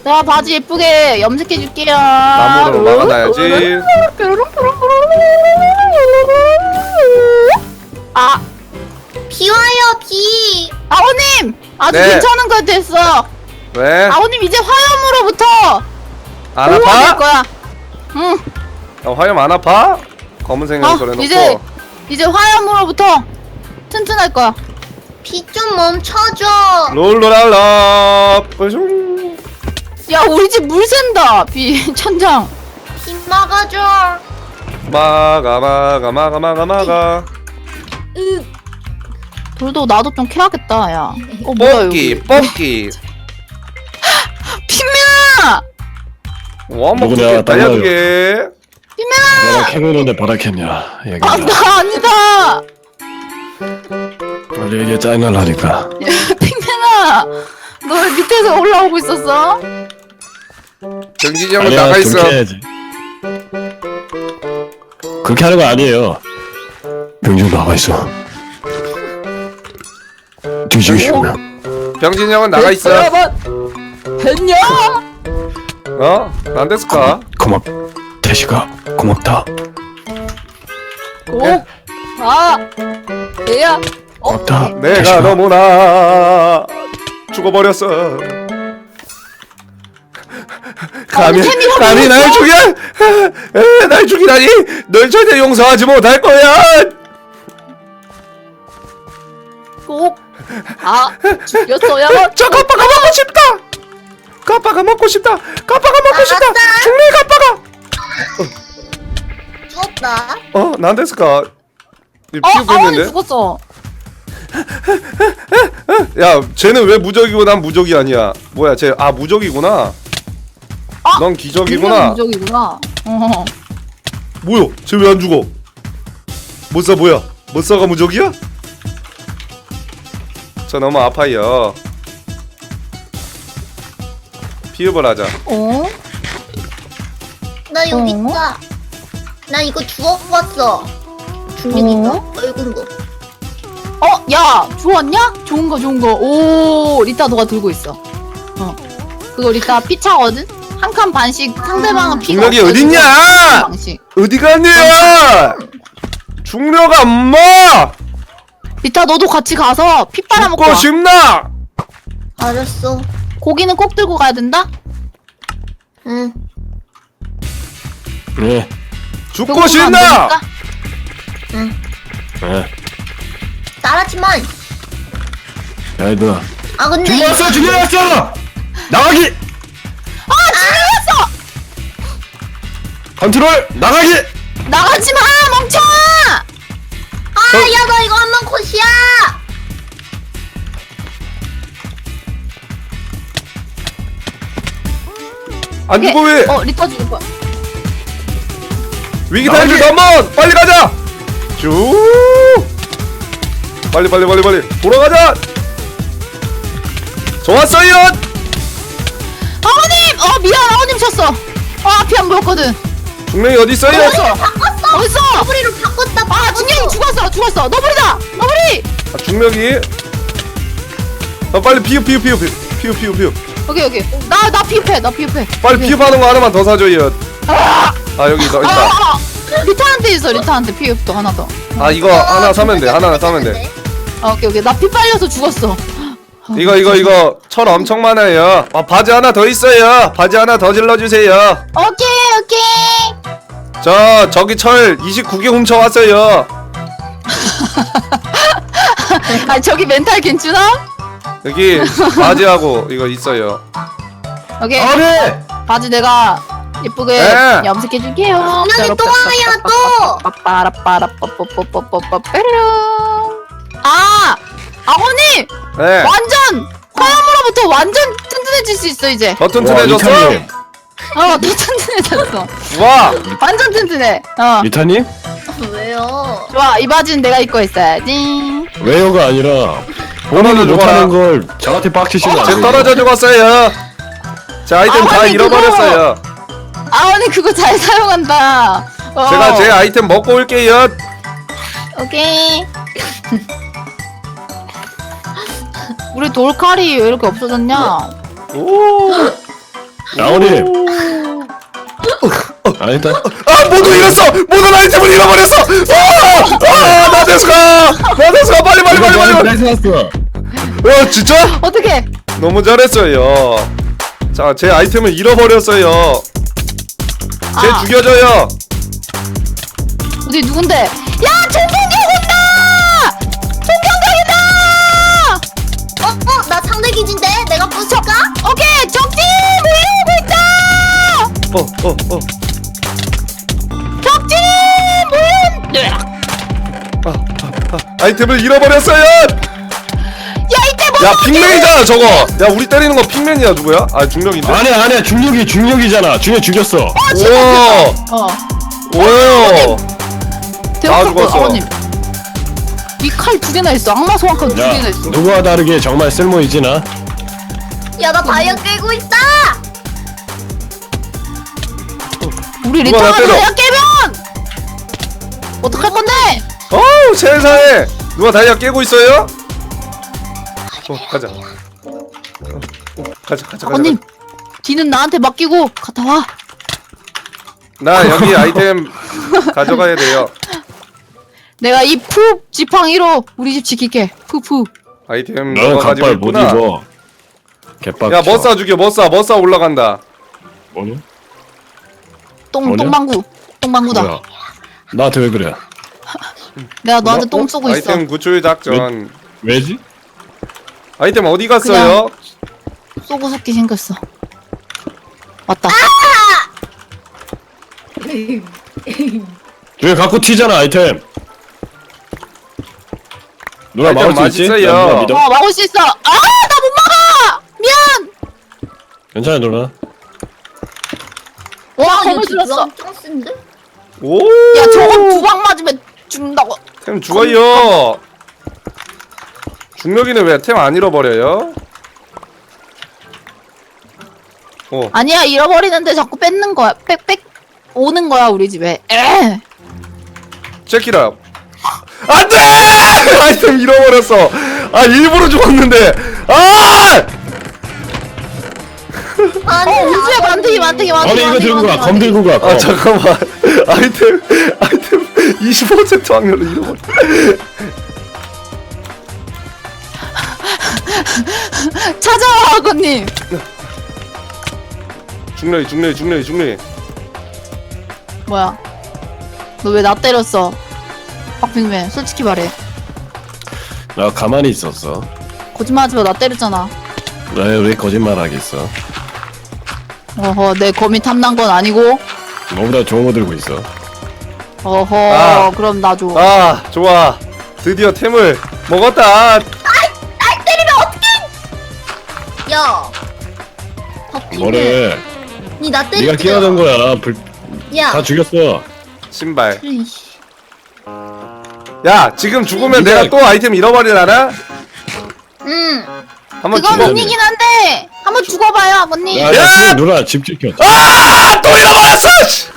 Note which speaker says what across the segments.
Speaker 1: 자, 바지 예쁘게 염색해줄게요.
Speaker 2: 나무로 막아놔야지.
Speaker 1: 아,
Speaker 3: 비 와요, 비.
Speaker 1: 아오님! 아주
Speaker 2: 네.
Speaker 1: 괜찮은 거 됐어.
Speaker 2: 왜?
Speaker 1: 아오님 이제 화염으로부터
Speaker 2: 안
Speaker 1: 보호가 될
Speaker 2: 아파?
Speaker 1: 거야. 응.
Speaker 2: 화염 안 아파? 검은색으로 그려놓고.
Speaker 1: 이제 화염으로부터 튼튼할 거야.
Speaker 3: 비 좀 멈춰줘.
Speaker 2: 롤로랄라 뿌숑.
Speaker 1: 야, 우리 집 물 샌다. 비 천장.
Speaker 3: 비 막아줘.
Speaker 2: 막아.
Speaker 1: 돌도 나도 좀 캐야겠다. 야. 뭐야 여기.
Speaker 2: 뽑기.
Speaker 1: 피면아!
Speaker 2: 원목
Speaker 4: 누구냐,
Speaker 2: 달려주게.
Speaker 4: 내가 캐노는데 바라겠냐 얘기.
Speaker 1: 아, 나 아니다.
Speaker 4: 원래 이게 짜증날라니까.
Speaker 1: 핑맨아, 너 왜 밑에서 올라오고 있었어?
Speaker 2: 정진이 형은
Speaker 4: 아니야,
Speaker 2: 나가
Speaker 4: 좀
Speaker 2: 있어.
Speaker 4: 캐야지. 그렇게 하는 거 아니에요. 병준 나가 있어. 뒤지기 싫으면.
Speaker 2: 병진이 형은 나가 있어.
Speaker 1: 됐냐?
Speaker 2: 어? 난 됐을까?
Speaker 4: 고맙. 태시가 고맙다.
Speaker 1: 오, 아, 얘야.
Speaker 4: 고맙다.
Speaker 2: 내가
Speaker 4: 태시가.
Speaker 2: 너무나 죽어버렸어. 감히 날 죽여? 날 죽이다니? 널 절대 용서하지 못할 거야.
Speaker 1: 꼭, 죽였어야.
Speaker 2: 저 가빠가 먹고 싶다. 가빠가 먹고 싶다. 가빠가 먹고 싶다. 죽네 가빠가.
Speaker 3: 죽었다.
Speaker 2: 난 됐을까? 피우고
Speaker 1: 아원이
Speaker 2: 있는데.
Speaker 1: 죽었어.
Speaker 2: 야, 쟤는 왜 무적이고 난 무적이 아니야? 뭐야, 쟤 무적이구나. 넌 기적이구나.
Speaker 1: 무적이구나.
Speaker 2: 뭐야? 쟤 왜 안 죽어? 못사 뭐야? 못사가 무적이야? 저 너무 아파요. 피읍을 하자.
Speaker 1: 어?
Speaker 3: 나 여기
Speaker 1: 어?
Speaker 3: 있다. 나 이거 주워봤어. 중력인가? 붉은 거.
Speaker 1: 야, 주웠냐? 좋은 거. 오, 리타 너가 들고 있어. 그거 리타 피 차거든? 한 칸 반씩 상대방은 피가
Speaker 2: 중력이
Speaker 1: 없어지고
Speaker 2: 어딨냐?
Speaker 1: 한 칸 반씩.
Speaker 2: 어디 갔냐? 중력아 엄마!
Speaker 1: 리타 너도 같이 가서 피 빨아먹고
Speaker 2: 죽고
Speaker 1: 와.
Speaker 2: 싶나?
Speaker 3: 알았어.
Speaker 1: 고기는 꼭 들고 가야 된다?
Speaker 3: 응.
Speaker 4: 네.
Speaker 2: 죽고
Speaker 1: 배고프면 안
Speaker 2: 싶나?
Speaker 1: 되니까?
Speaker 4: 네.
Speaker 3: 따라지만.
Speaker 4: 야 얘들아.
Speaker 3: 아 근데
Speaker 4: 죽여놨어. 나가기.
Speaker 1: 죽였어!
Speaker 4: 컨트롤 나가기.
Speaker 1: 나가지 마, 멍청아!
Speaker 3: 야 너 이거 한 번 컷이야.
Speaker 2: 안 죽어 왜?
Speaker 1: 리타 죽을 거야.
Speaker 2: 위기 탈출 한번 빨리 가자. 쭉. 빨리 돌아가자. 좋았어요.
Speaker 1: 아버님! 미안, 아버님 쳤어. 앞이 안 보였거든.
Speaker 2: 중력이 어디 있어요?
Speaker 1: 어딨어?
Speaker 3: 바꿨어.
Speaker 1: 어딨어?
Speaker 3: 너구리로 바꿨다.
Speaker 1: 중력이 죽었어. 너구리다! 너구리!
Speaker 2: 중력이. 빨리 피읍.
Speaker 1: 여기. 나 피up해.
Speaker 2: 빨리 피읍하는 거 하나만 더 사줘요. 여기 더 있다.
Speaker 1: 리타한테 있어, 리타한테 피up도 하나 더.
Speaker 2: 이거 하나 사면 돼. 하나 사면 돼.
Speaker 1: 오케이. 나 피 빨려서 죽었어.
Speaker 2: 이거 철 엄청 많아요. 바지 하나 더 있어요. 바지 하나 더 질러주세요.
Speaker 1: 오케이.
Speaker 2: 저기 철 29개 훔쳐왔어요.
Speaker 1: 저기 멘탈 괜찮아?
Speaker 2: 여기 바지하고 이거 있어요.
Speaker 1: 오케이.
Speaker 4: 아니.
Speaker 1: 바지 내가 예쁘게
Speaker 2: 네.
Speaker 1: 염색해줄게요.
Speaker 3: 분명히 또 와요 또.
Speaker 1: 아버님!
Speaker 2: 네.
Speaker 1: 완전! 화염으로부터 완전 튼튼해질 수 있어 이제.
Speaker 2: 더 튼튼해졌어?
Speaker 4: 리타님.
Speaker 1: 더 튼튼해졌어.
Speaker 2: 와.
Speaker 1: 완전 튼튼해.
Speaker 4: 리타님?
Speaker 3: 왜요?
Speaker 1: 좋아, 이 바지는 내가 입고 있어야지.
Speaker 4: 왜요가 아니라 본인이 못하는 걸 저한테 빡치시면 안
Speaker 2: 쟤
Speaker 4: 돼요.
Speaker 2: 떨어져 죽었어요. 제 아이템 다
Speaker 1: 아니,
Speaker 2: 잃어버렸어요.
Speaker 1: 아버님 그거 잘 사용한다.
Speaker 2: 제가 제 아이템 먹고 올게요.
Speaker 1: 오케이. 우리 돌칼이 왜 이렇게 없어졌냐?
Speaker 2: 오.
Speaker 4: 나오님. 아니다.
Speaker 2: 아 모두 잃었어. 모든 아이템을 잃어버렸어. 나데스가 빨리.
Speaker 4: 나이스 났어.
Speaker 2: 진짜?
Speaker 1: 어떻게?
Speaker 2: 너무 잘했어요. 자, 제 아이템을 잃어버렸어요. 쟤
Speaker 1: 아.
Speaker 2: 죽여줘요.
Speaker 1: 어디 누군데? 야 총경각 온다! 총경각이다!
Speaker 3: 나 상대 기지인데 내가 부술까?
Speaker 1: 오케이 적지 몰려오고 있다! 적지 몰려!
Speaker 2: 아이템을 잃어버렸어요.
Speaker 1: 야 이때 뭐?
Speaker 2: 야, 핑맨이잖아 저거. 야, 우리 때리는 거 핑맨이야 누구야? 아, 중력인데.
Speaker 4: 아니야 중력이잖아. 중력 죽였어.
Speaker 1: 어
Speaker 2: 오.
Speaker 1: 대박
Speaker 2: 죽었어.
Speaker 1: 아버님. 이 칼 2개나 있어. 악마 소환칼 2개나
Speaker 4: 야
Speaker 1: 있어.
Speaker 4: 누구와 다르게 정말 쓸모 있지 나.
Speaker 3: 야 나 다이아 깨고 있다.
Speaker 1: 우리
Speaker 2: 누가 나
Speaker 1: 리타가
Speaker 2: 때려?
Speaker 1: 다이아 깨면 어떡할 건데?
Speaker 2: 어우, 세상에. 누가 다이아 깨고 있어요? 가자. 가자.
Speaker 1: 아버님 뒤는 나한테 맡기고 갔다 와.
Speaker 2: 나 여기 아이템 가져가야 돼요.
Speaker 1: 내가 이 푸 지팡이로 우리 집 지킬게. 푸푸.
Speaker 2: 아이템
Speaker 4: 너는
Speaker 2: 너가 가지고
Speaker 4: 갑발 못
Speaker 2: 있구나.
Speaker 4: 입어. 개빡.
Speaker 2: 야, 머싸 죽여. 머싸 올라간다.
Speaker 4: 뭐냐?
Speaker 1: 똥
Speaker 4: 뭐냐?
Speaker 1: 똥방구다.
Speaker 4: 뭐야? 나한테 왜 그래?
Speaker 1: 내가 너한테 똥 쏘고 있어.
Speaker 2: 아이템 구출 작전.
Speaker 4: 왜지?
Speaker 2: 아이템 어디 갔어요?
Speaker 1: 쏘고 섞기 생겼어. 왔다.
Speaker 4: 저기 갖고 튀잖아 아이템. 누나
Speaker 2: 아이템
Speaker 4: 막을 수 있지?
Speaker 2: 맛있어요.
Speaker 4: 나 누나 믿어?
Speaker 1: 막을 수 있어. 아, 나 못 막아. 미안.
Speaker 4: 괜찮아 누나.
Speaker 1: 와,
Speaker 3: 이거
Speaker 1: 검을 들었어.
Speaker 3: 엄청 센데?
Speaker 2: 오!
Speaker 1: 야, 저건 2방 맞으면 죽는다고.
Speaker 2: 템 죽어요. 중력이는 왜 템 안 잃어버려요?
Speaker 1: 아니야, 잃어버리는데 자꾸 뺏는 거야. 빽 오는 거야, 우리 집에. 에.
Speaker 2: 체키라. 안 돼! 아이템 잃어버렸어. 아, 일부러 죽었는데. 아!
Speaker 3: 아니
Speaker 1: 우주에 만들기.
Speaker 4: 아니 이거 들고 가. 검 들고 가.
Speaker 2: 아,
Speaker 4: 검.
Speaker 2: 잠깐만. 아이템 25% 확률로 잃어버려.
Speaker 1: 찾아와, 아버님.
Speaker 2: 중력이.
Speaker 1: 뭐야? 너 왜 나 때렸어? 박빙맨, 솔직히 말해.
Speaker 4: 나 가만히 있었어.
Speaker 1: 거짓말하지 마, 나 때렸잖아.
Speaker 4: 왜 거짓말 하겠어?
Speaker 1: 어허, 내 거미 탐난 건 아니고.
Speaker 4: 너보다 좋은 거 들고 있어.
Speaker 1: 어허,
Speaker 2: 아.
Speaker 1: 그럼 나 줘.
Speaker 2: 아, 좋아. 드디어 템을 먹었다.
Speaker 3: 야 박빙맨
Speaker 4: 뭐래?
Speaker 3: 니나
Speaker 4: 네가
Speaker 3: 때리지
Speaker 4: 끼어든 거야.
Speaker 3: 야
Speaker 4: 다 죽였어.
Speaker 2: 신발.
Speaker 3: 이씨.
Speaker 2: 야, 지금 죽으면
Speaker 4: 네가-
Speaker 2: 내가 또 아이템 잃어버리려나?
Speaker 3: 응
Speaker 2: 한번
Speaker 1: 그건
Speaker 2: 죽여.
Speaker 1: 아니긴 한데 한번 죽어봐요, 아버님.
Speaker 4: 야,
Speaker 2: 야!
Speaker 4: 지금 누나 집 지켜.
Speaker 2: 아! 또 잃어버렸어! 씨!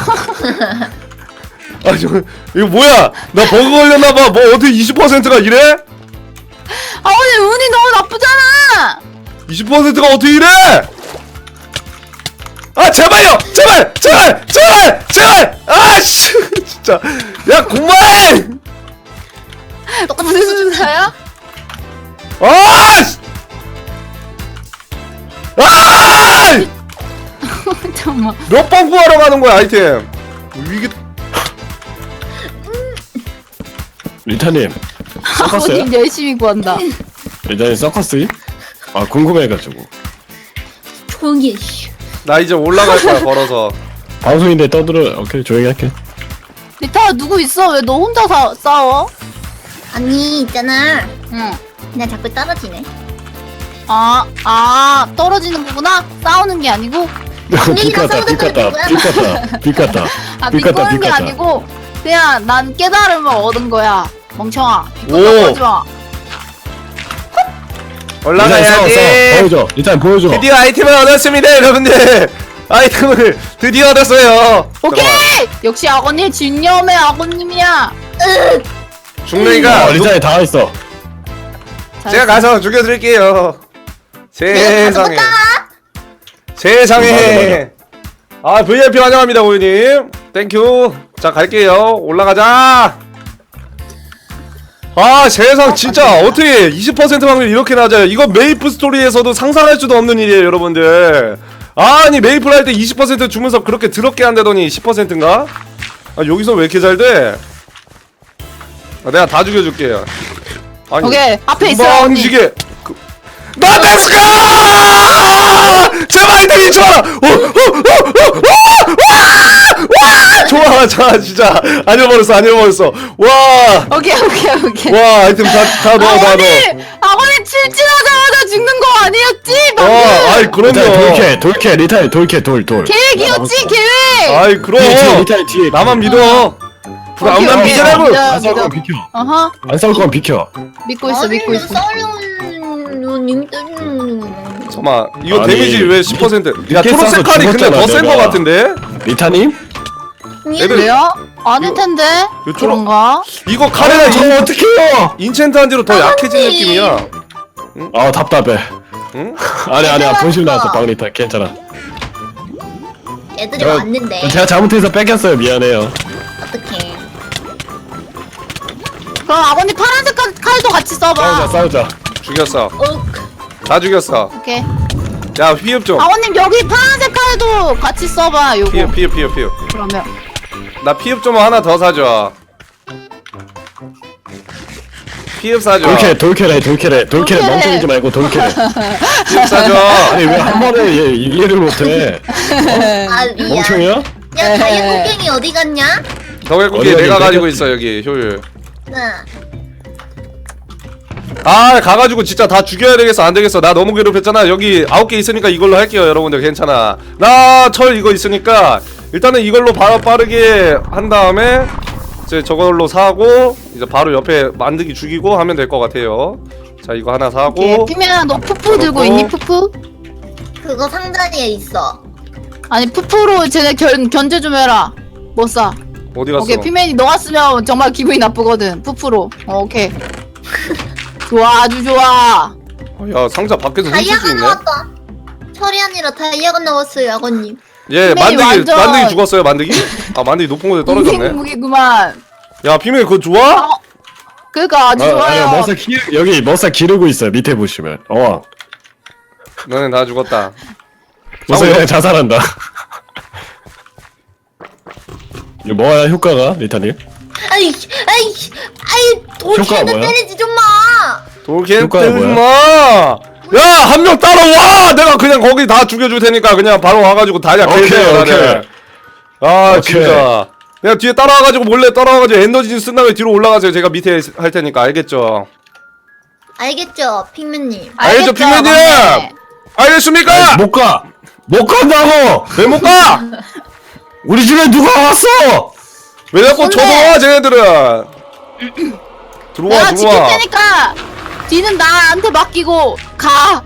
Speaker 2: 아, 이거 뭐야? 나 버그 걸렸나봐. 뭐 어떻게 20%가 이래?
Speaker 1: 아버님 운이 너무 나쁘잖아.
Speaker 2: 20%가 어떻게 이래? 아, 제발요! 제발! 아씨! 진짜. 야, 그만해!
Speaker 3: 똑같은
Speaker 1: 무슨
Speaker 3: 수준
Speaker 1: 수사야?
Speaker 2: 아! 씨! 아!
Speaker 1: 잠깐만.
Speaker 2: 몇 번 구하러 가는 거야, 아이템? 이게
Speaker 4: 리타님. 서커스야?
Speaker 1: 아버님 열심히 구한다.
Speaker 4: 리타님 서커스? 아 궁금해가지고.
Speaker 3: 조용히 해 씨.
Speaker 2: 나 이제 올라갈 거야, 걸어서.
Speaker 4: 방송인데 떠들어. 오케이 조용히 할게.
Speaker 1: 리타 누구 있어? 왜 너 혼자 싸워?
Speaker 3: 아니 있잖아
Speaker 1: 응.
Speaker 3: 그냥 자꾸 떨어지네
Speaker 1: 떨어지는 거구나? 싸우는 게 아니고?
Speaker 4: 비 같다. 비 같다.
Speaker 1: 비꼬는 게 아니고 그냥 난 깨달음을 얻은 거야. 멍청아.
Speaker 2: 오.
Speaker 1: 비꼬는 거지 마.
Speaker 2: 올라가야지.
Speaker 4: 보여줘. 리타님 보여줘.
Speaker 2: 드디어 아이템을 얻었습니다, 여러분들. 아이템을 드디어 얻었어요.
Speaker 1: 오케이!
Speaker 2: 잠깐만.
Speaker 1: 역시 아버님 진념의 아버님이야.
Speaker 2: 중력이가
Speaker 4: 리타님 다 했어.
Speaker 2: 제가 가서 죽여드릴게요. 세상에. 세상에. 아 VIP 환영합니다 고객님. 땡큐. 자 갈게요. 올라가자. 아 세상 진짜 어떻게 20% 확률 이렇게 낮아요. 이거 메이플 스토리에서도 상상할 수도 없는 일이에요 여러분들. 아니 메이플 할 때 20% 주면서 그렇게 더럽게 한다더니 10%인가? 아 여기서 왜 이렇게 잘 돼? 아, 내가 다 죽여줄게요. 아니
Speaker 1: 오케이 앞에 있어 언니.
Speaker 2: 방지게 나데스카! 제발 아이템이 좋아! 좋아, 자, 진짜 안 잃어버렸어, 안 잃어버렸어. 와,
Speaker 1: 오케이.
Speaker 2: 와, 아이템 다 넣어, 다 넣어.
Speaker 1: 아버님 칠진하자마자 죽는 거 아니었지? 방금.
Speaker 2: 아이 그럼요.
Speaker 4: 돌캐 리타이 돌캐 돌
Speaker 1: 계획이었지 계획.
Speaker 2: 아이 그럼.
Speaker 4: 리타이 뒤에
Speaker 2: 나만 믿어. 불안만
Speaker 1: 오케이,
Speaker 2: 믿으라고.
Speaker 1: 오케이.
Speaker 4: 안 싸울 거면 비켜.
Speaker 1: 어허
Speaker 4: 안 싸울 거면 비켜.
Speaker 1: 믿고 있어.
Speaker 2: 잠깐만, 이거
Speaker 4: 아니,
Speaker 2: 데미지 왜 10%? 야,
Speaker 4: 이렇게
Speaker 2: 초록색
Speaker 4: 싸서
Speaker 2: 칼이 근데
Speaker 4: 죽었잖아,
Speaker 2: 더 센 거
Speaker 4: 내가.
Speaker 2: 같은데?
Speaker 4: 리타님?
Speaker 2: 애들
Speaker 1: 왜요? 아닐 텐데.
Speaker 2: 이거 초록-
Speaker 1: 그런가?
Speaker 2: 이거 칼에다
Speaker 4: 저거 어떡해요?
Speaker 2: 인챈트한 뒤로 더 약해진 느낌이야.
Speaker 4: 아 답답해.
Speaker 2: 응?
Speaker 4: 아니야 본심 나왔어 방 리타 괜찮아.
Speaker 3: 애들이
Speaker 4: 어,
Speaker 3: 왔는데
Speaker 4: 제가 잘못해서 뺏겼어요 미안해요.
Speaker 3: 어떡해.
Speaker 1: 그럼 아버님 파란색 칼도 같이 써봐.
Speaker 4: 싸우자.
Speaker 2: 죽였어.
Speaker 3: 어,
Speaker 2: 다 죽였어.
Speaker 1: 오케이.
Speaker 2: 야, 피흡 좀.
Speaker 1: 아버님 여기 파란색 칼도 같이 써봐. 요거.
Speaker 2: 피흡.
Speaker 1: 그러면
Speaker 2: 나 피흡 좀 하나 더 사줘. 피흡 사줘.
Speaker 4: 돌캐래
Speaker 1: 돌캐래.
Speaker 4: 멍청이지 말고 돌캐래.
Speaker 2: 피흡 사줘.
Speaker 4: 아니 왜 한 번에 이해를 못해?
Speaker 3: 아 미안.
Speaker 4: 멍청이야?
Speaker 3: 야 다이아 곡괭이 어디 갔냐?
Speaker 2: 덕일국이
Speaker 4: 어디
Speaker 2: 내가
Speaker 4: 어디
Speaker 2: 가지고
Speaker 4: 뺏겼-
Speaker 2: 있어 여기 효율.
Speaker 3: 응.
Speaker 2: 아 가가지고 진짜 다 죽여야 되겠어. 안 되겠어. 나 너무 괴롭혔잖아. 여기 9개 있으니까 이걸로 할게요 여러분들. 괜찮아. 나 철 이거 있으니까 일단은 이걸로 바로 빠르게 한 다음에 이제 저걸로 사고 이제 바로 옆에 만들기 죽이고 하면 될 것 같아요. 자 이거 하나 사고.
Speaker 1: 오케이. 피면아 너 푸푸 들고 있니? 푸푸?
Speaker 3: 그거 상자리에 있어.
Speaker 1: 아니 푸푸로 쟤네 견제 좀 해라. 못 사.
Speaker 2: 어디 갔어?
Speaker 1: 오케이 피면이 너가 쓰면 정말 기분이 나쁘거든. 푸푸로. 오케이. 좋아 아주 좋아.
Speaker 2: 야 상자 밖에서 훔칠 수
Speaker 3: 다이아가
Speaker 2: 있네.
Speaker 3: 나왔다. 철이 아니라 다이아가 나왔어요 아버님.
Speaker 2: 예
Speaker 1: 피맨이 완전-
Speaker 2: 만드기 죽었어요 만드기? 아 만드기 높은 곳에 떨어졌네.
Speaker 1: 무기구만.
Speaker 2: 야 피맨 그거 좋아?
Speaker 1: 그니까 아주 좋아요.
Speaker 4: 여기 머싸 기르고 있어요 밑에 보시면.
Speaker 2: 너네 다 죽었다.
Speaker 4: 머싸 그냥 자살한다. 이거 뭐야 효과가 리타님?
Speaker 3: 아이
Speaker 4: 효과가
Speaker 3: 돌캐는
Speaker 4: 뭐야?
Speaker 3: 때리지 좀 마.
Speaker 2: 돌캔
Speaker 4: 효과가
Speaker 2: 뜨지마. 야 한 명 따라와. 내가 그냥 거기 다 죽여줄 테니까 그냥 바로 와가지고 다
Speaker 4: 오케이,
Speaker 2: 약해져요
Speaker 4: 오케이.
Speaker 2: 다들. 아
Speaker 4: 오케이.
Speaker 2: 진짜. 그냥 뒤에 따라와가지고 몰래 따라와가지고 에너지 쓴 다음에 뒤로 올라가세요. 제가 밑에 할 테니까 알겠죠?
Speaker 3: 알겠죠 핑맨님.
Speaker 2: 알겠죠, 피면님?
Speaker 1: 막내.
Speaker 2: 알겠습니까?
Speaker 4: 못 간다고.
Speaker 2: 왜 못 가?
Speaker 4: 우리 집에 누가 왔어?
Speaker 2: 왜 자꾸
Speaker 3: 선배!
Speaker 2: 쳐들어와 쟤네들은? 들어와
Speaker 1: 내가 지킬
Speaker 2: 들어와.
Speaker 1: 테니까 뒤는 나한테 맡기고 가.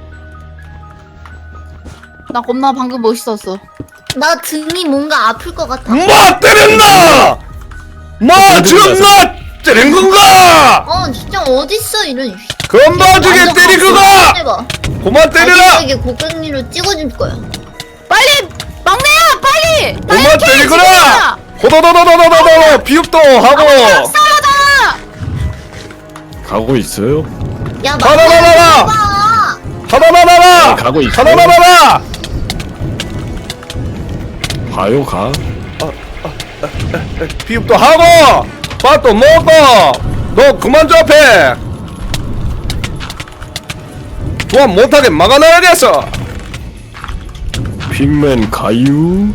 Speaker 1: 나 겁나 방금 멋있었어.
Speaker 3: 나 등이 뭔가 아플 것 같아.
Speaker 2: 마 때렸나? 마 지금 나 때린 건가?
Speaker 3: 진짜 어딨어 이런.
Speaker 2: 건방지게
Speaker 3: 완전
Speaker 2: 때리 그가!
Speaker 3: 해봐.
Speaker 2: 그만 때리라!
Speaker 3: 이게 고객님으로 찍어줄 거야.
Speaker 1: 빨리 막내야 빨리.
Speaker 2: 그만 때리 그라! 호도도도도도도도 비읍도 하고
Speaker 1: 싸우잖아.
Speaker 4: 가고 있어요?
Speaker 3: 야
Speaker 2: 가라라라라!
Speaker 3: 봐.
Speaker 2: 하나나나나!
Speaker 4: 가고 있어.
Speaker 2: 하나나나나!
Speaker 4: 가요 가.
Speaker 2: 비읍도 하고 밥도 먹고 너 그만 좀 앞에 조합 못하게 막아놔야겠어.
Speaker 4: 빅맨 가유.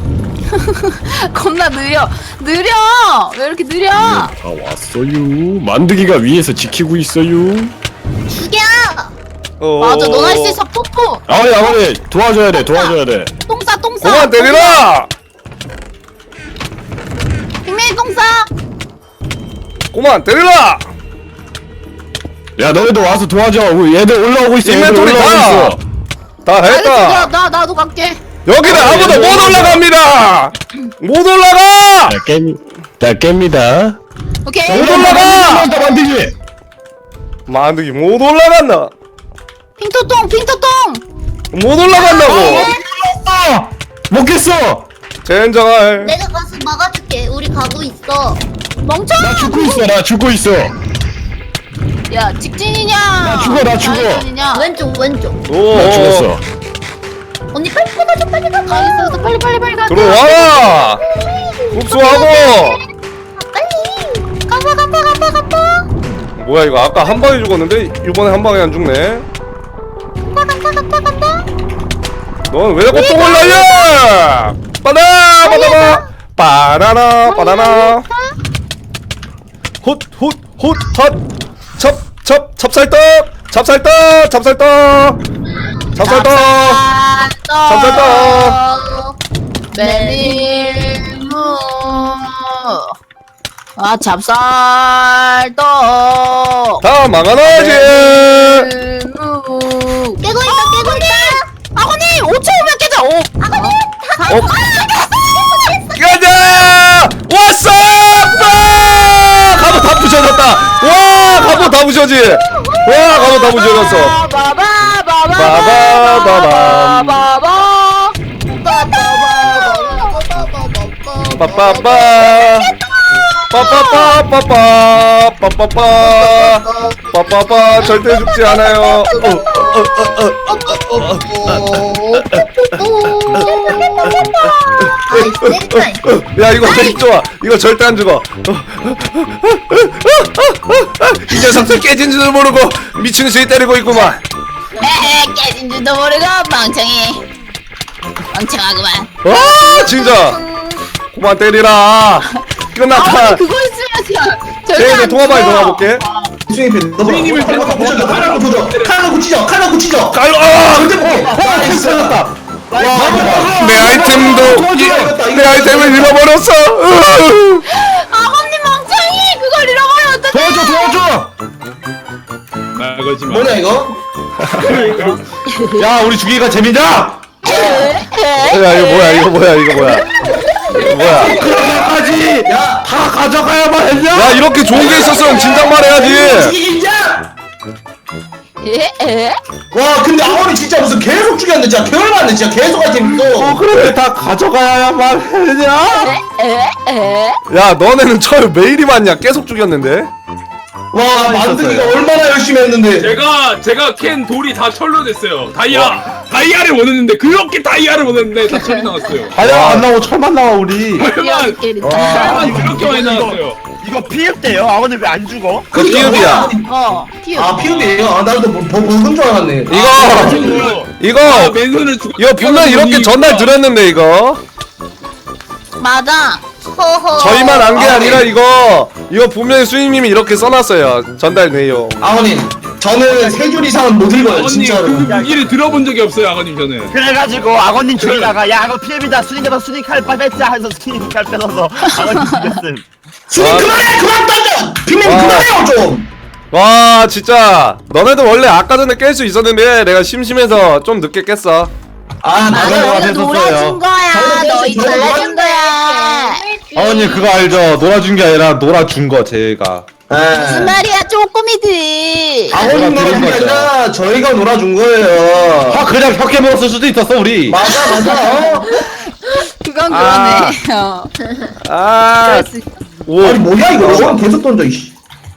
Speaker 1: 겁나 느려. 왜 이렇게 느려?
Speaker 4: 다 왔어요. 만드기가 위에서 지키고 있어요.
Speaker 3: 죽여.
Speaker 1: 맞아 넌 할 수 있어. 뽀뽀.
Speaker 4: 아버지 도와줘야 돼.
Speaker 1: 똥싸.
Speaker 2: 그만 때리라!
Speaker 1: 빅맨이 똥싸.
Speaker 2: 그만 때리라!
Speaker 4: 야 너희도 와서 도와줘. 우리 얘들 올라오고 있어.
Speaker 2: 인벤토리 다! 다 했다!
Speaker 1: 나도 갈게.
Speaker 2: 여기는 아무도 못 올라갑니다! 못 올라가!
Speaker 4: 자 깹니다.
Speaker 1: 오케이.
Speaker 2: 못 올라가!
Speaker 4: 만드기.
Speaker 2: 만드기 못 올라간다!
Speaker 1: 핑토똥.
Speaker 2: 못 올라간다고!
Speaker 1: 했어.
Speaker 4: 먹겠어.
Speaker 2: 젠장할.
Speaker 3: 내가 가서 막아줄게. 우리 가고 있어.
Speaker 1: 멍청.
Speaker 4: 나 죽고 있어. 나 죽고 있어.
Speaker 1: 야 직진이냐?
Speaker 4: 나 죽어, 나 죽어.
Speaker 1: 좌회전이냐?
Speaker 3: 왼쪽 왼쪽.
Speaker 2: 오.
Speaker 4: 나 죽었어.
Speaker 3: 언니 빨리 가자 빨리 가자.
Speaker 1: 알겠어. 빨리 가자.
Speaker 2: 들어와. 흡수하고.
Speaker 3: 빨리.
Speaker 1: 간다.
Speaker 2: 뭐야 이거 아까 한 방에 죽었는데 이번에 한 방에 안 죽네.
Speaker 1: 간다.
Speaker 2: 넌 왜 자꾸 똥을 날려? 바나나 바나나 헛 찹쌀떡
Speaker 1: 메밀무. 아 찹쌀떡.
Speaker 2: 다 망하나지.
Speaker 1: 메밀무.
Speaker 3: 깨고 있다.
Speaker 1: 아버님 5초 후면 깨져. 아버님.
Speaker 2: 가자! 왔어! 갑옷 다 부셔졌다. 와, 갑옷 다 부셔지. 와, 갑옷 다 부셔졌어. 빠빠빠. 빠빠빠 절대 죽지 않아요. 야 이거 되게 좋아. 이거 절대 안 죽어. 이 녀석들 깨진 줄도 모르고 미친 듯이 때리고 있구만.
Speaker 1: 깨진 줄도 모르고 멍청하구만.
Speaker 2: 아 진짜 그만 때리라. 끝났다.
Speaker 1: 그거 있으면
Speaker 2: 제이네 통화방에 들어가볼게.
Speaker 5: 수행님 칼로 고치죠.
Speaker 2: 깔로.
Speaker 5: 절대 못해.
Speaker 4: 살았다.
Speaker 2: 내 아이템도 내 아이템을 잃어버렸어.
Speaker 1: 아버님 멍청이 그걸 잃어버리면 어떡해.
Speaker 4: 도와줘.
Speaker 6: 나가지 마.
Speaker 5: 뭐냐 이거?
Speaker 4: 야 우리 죽이기가 재밌냐?
Speaker 2: 야 이거 뭐야.
Speaker 4: 그러기까지 다 가져가야만 했냐?
Speaker 2: 야 이렇게 좋은 게 있었으면 진작 말해야지.
Speaker 5: 이기자.
Speaker 1: 에?
Speaker 5: 와 근데 아원이 진짜 무슨 계속 죽였네 진짜 개월만네 진짜 계속 아이템 있어.
Speaker 4: 그런데 다 가져가야만 했냐?
Speaker 1: 에?
Speaker 2: 야 너네는 철 매일이 맞냐? 계속 죽였는데.
Speaker 5: 와 만드기가 얼마나 열심히 했는데.
Speaker 6: 제가 캔 돌이 다 철로 됐어요. 다이아를 원했는데 그렇게 다이아를 원했는데 다 철이 나왔어요.
Speaker 4: 다이아 안 나오고 철만 나와 우리.
Speaker 6: 철만 그렇게 많이 나왔어요.
Speaker 7: 이거 피흡돼요? 아버님 왜 안 죽어?
Speaker 2: 그 피읍이야.
Speaker 1: 피읍.
Speaker 5: 아 피우네요. 아 나도 먹은 줄 알았네.
Speaker 2: 이거
Speaker 6: 맨손을 죽.
Speaker 2: 이거 분명 이렇게 전날 드렸는데 이거
Speaker 1: 맞아.
Speaker 3: 허허.
Speaker 2: 저희만 안 게 아니라 이거 분명히 수임님이 이렇게 써놨어요. 전달 내용.
Speaker 5: 아버님 저는 세 줄 이상은 못 읽어요
Speaker 6: 아버님
Speaker 5: 진짜로.
Speaker 6: 그 무기를 들어본 적이 없어요, 아버님 저는.
Speaker 7: 그래가지고 아버님 죽이다가 야 이거 피흡이다 수닝에서 수닝 칼 뺐자 해서 수닝 칼 빼서 아버님 죽였음.
Speaker 5: 수님
Speaker 2: 아.
Speaker 5: 그만해 그만 던져. 빅맨
Speaker 2: 아.
Speaker 5: 그만해요 좀.
Speaker 2: 와 진짜 너네도 원래 아까 전에 깰 수 있었는데 내가 심심해서 좀 늦게 깼어.
Speaker 5: 아
Speaker 4: 맞아요.
Speaker 5: 맞아요.
Speaker 1: 놀아준 거야. 너희 놀아준 거야.
Speaker 4: 아버님 그거 알죠? 놀아준 게 아니라 놀아준 거 제가.
Speaker 1: 무슨 말이야 쪼꼬미들.
Speaker 5: 아버님
Speaker 4: 내가
Speaker 5: 놀아준 게
Speaker 4: 드린 거죠.
Speaker 5: 아니라 저희가 놀아준 거예요.
Speaker 4: 아 그냥 혁해 먹었을 수도 있었어 우리.
Speaker 5: 맞아.
Speaker 1: 그건
Speaker 2: 아.
Speaker 1: 그러네.
Speaker 2: 아, 오,
Speaker 5: 아니 뭐야 이거 저건 계속 던져 이씨.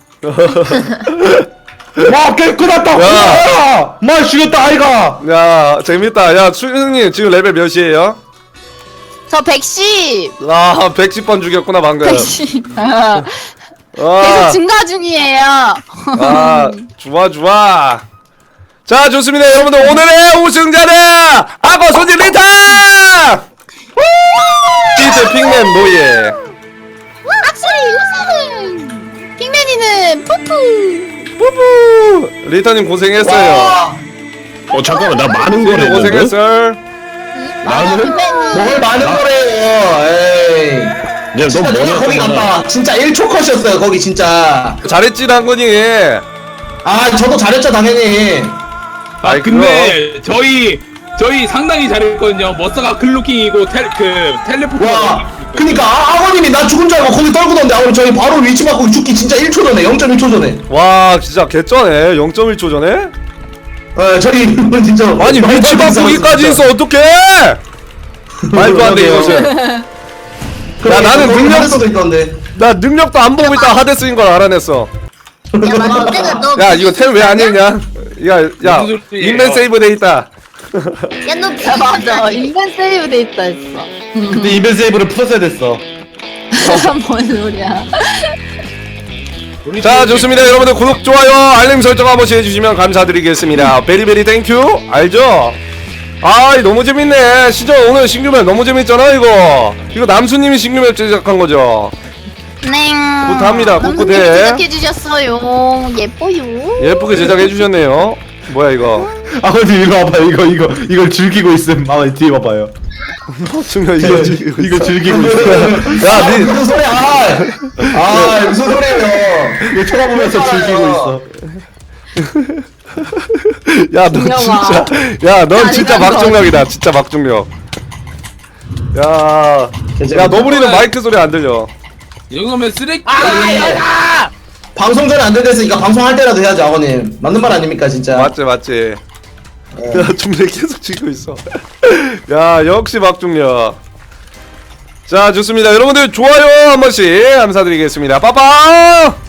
Speaker 4: 와 깨끗하다.
Speaker 2: 야.
Speaker 4: 말 죽였다 아이가.
Speaker 2: 야 재밌다. 야 수임님 지금 레벨 몇이에요?
Speaker 1: 저 110.
Speaker 2: 아 110번 죽였구나 방금.
Speaker 1: 110. 계속
Speaker 2: 아,
Speaker 1: 증가 중이에요.
Speaker 2: 아 좋아. 자 좋습니다 여러분들 오늘의 우승자는 악어 소지 리타. 피트 핑맨 노예.
Speaker 1: 확실히 우승은 핑맨이는 푸푸.
Speaker 2: 뿌뿌. 리타님 고생했어요.
Speaker 4: 잠깐만 나 많은 거래.
Speaker 2: 고생했어.
Speaker 4: 나는?
Speaker 5: 뭘 많은 거래요. 에이. 진짜 내가 거기 갔다. 진짜 1초 컷이었어요 거기 진짜.
Speaker 2: 잘했지 랑건이.
Speaker 5: 아 저도 잘했죠 당연히.
Speaker 6: 아
Speaker 2: 아이,
Speaker 6: 근데 저희 상당히 잘했거든요. 머싸가 글루킹이고 텔레포트.
Speaker 5: 와. 그니까 아버님이 나 죽은 줄 알고 거기 떨구던데 아버님 저희 바로 위치 바꾸고 죽기 진짜 1초 전에 0.1초 전에.
Speaker 2: 와 진짜 개쩌네. 0.1초 전에.
Speaker 5: 에 저희 진짜.
Speaker 2: 아니 위치 바꾸기까지 했어 어떡해.
Speaker 5: 많이 많이 싸웠어요, 진짜.
Speaker 2: 와 진짜 개쩌네. 0.1초 전에. 와 진짜 개쩌네.
Speaker 5: 와 근데 뭘 많은 거래요. 에이. 진짜 내가 거기 갔다. 진짜 1초 컷이었어요 거기 진짜.
Speaker 2: 말도 안 돼 이것은. 야 나는 능력
Speaker 5: 수도 있던데.
Speaker 2: 나 능력도 안 보고 있다 하데스인 걸 알아냈어.
Speaker 3: 야 마동대가 너.
Speaker 2: 야 이거 템 왜 안 읽냐? 야
Speaker 6: 무슨 소리예요?
Speaker 2: 인벤 세이브 돼 있다.
Speaker 3: 야너
Speaker 1: 야 맞아 인벤 세이브 돼 있다 했어.
Speaker 4: 근데 이벤 세이브를 풀었어야 됐어.
Speaker 1: 뭔 소리야?
Speaker 2: 자 좋습니다 여러분들 구독 좋아요 알림 설정 한 번씩 해주시면 감사드리겠습니다. 베리베리 땡큐 알죠? 아 너무 재밌네. 시저 오늘 신규맵 너무 재밌잖아 이거 남수님이 신규맵 제작한 거죠?
Speaker 1: 네.
Speaker 2: 굿합니다.
Speaker 1: 남수님이
Speaker 2: 굿굿해.
Speaker 1: 제작해 주셨어요. 예뻐요.
Speaker 2: 예쁘게 제작해 주셨네요. 뭐야 이거?
Speaker 4: 아버님 이거 봐봐 이걸 즐기고 있음. 아버님 뒤에 봐봐요.
Speaker 2: 중요 이거 지금
Speaker 4: 이거 즐기고 있어.
Speaker 2: 야, 니
Speaker 5: 무슨 소리야? 무슨 소리예요?
Speaker 4: 이거 쳐다보면서 즐기고 있어.
Speaker 2: 야, 너
Speaker 1: 중요하.
Speaker 2: 진짜, 야, 넌 진짜
Speaker 1: 아니라는
Speaker 2: 막중력이다. 진짜 막중력. 야, 너구리는 마이크 소리 안 들려.
Speaker 6: 이 정도면 쓰레기.
Speaker 5: 방송 전에 안 됐으니까 방송할 때라도 해야죠, 아버님. 맞는 말 아닙니까, 진짜?
Speaker 2: 맞지. 야, 중력 계속 치고 있어. 야, 역시 막중력. 자, 좋습니다. 여러분들 좋아요 한 번씩 감사드리겠습니다. 빠빠!